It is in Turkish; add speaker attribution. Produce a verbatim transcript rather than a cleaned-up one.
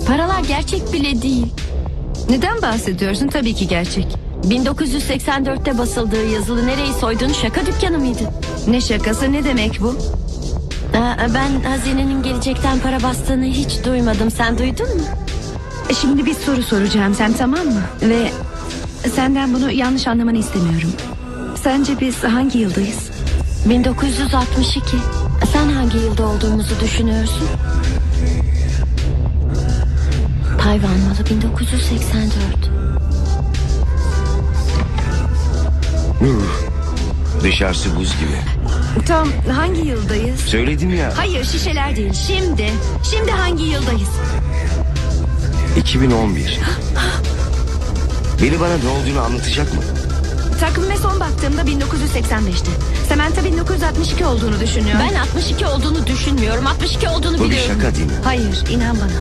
Speaker 1: Paralar gerçek bile değil.
Speaker 2: Neden bahsediyorsun? Tabii ki gerçek.
Speaker 1: bin dokuz yüz seksen dörtte basıldığı yazılı nereyi soydun şaka dükkanı mıydı?
Speaker 2: Ne şakası, ne demek bu?
Speaker 1: Aa, ben hazinenin gelecekten para bastığını hiç duymadım. Sen duydun mu?
Speaker 2: Şimdi bir soru soracağım, sen tamam mı? Ve senden bunu yanlış anlamanı istemiyorum. Sence biz hangi yıldayız?
Speaker 1: bin dokuz yüz altmış iki. Sen hangi yılda olduğumuzu düşünüyorsun? Tayvan malı bin dokuz yüz seksen dört.
Speaker 3: Dışarısı buz gibi.
Speaker 2: Tam hangi yıldayız?
Speaker 3: Söyledim ya.
Speaker 2: Hayır, şişeler değil, şimdi. Şimdi hangi yıldayız?
Speaker 3: iki bin on bir. Biri bana ne olduğunu anlatacak mı?
Speaker 2: Takvime son baktığımda bin dokuz yüz seksen beşti. Samantha bin dokuz yüz altmış iki olduğunu düşünüyor.
Speaker 1: Ben altmış iki olduğunu düşünmüyorum. altmış iki olduğunu
Speaker 3: Bu bir
Speaker 1: biliyorum.
Speaker 3: şaka değil mi?
Speaker 2: Hayır, inan bana.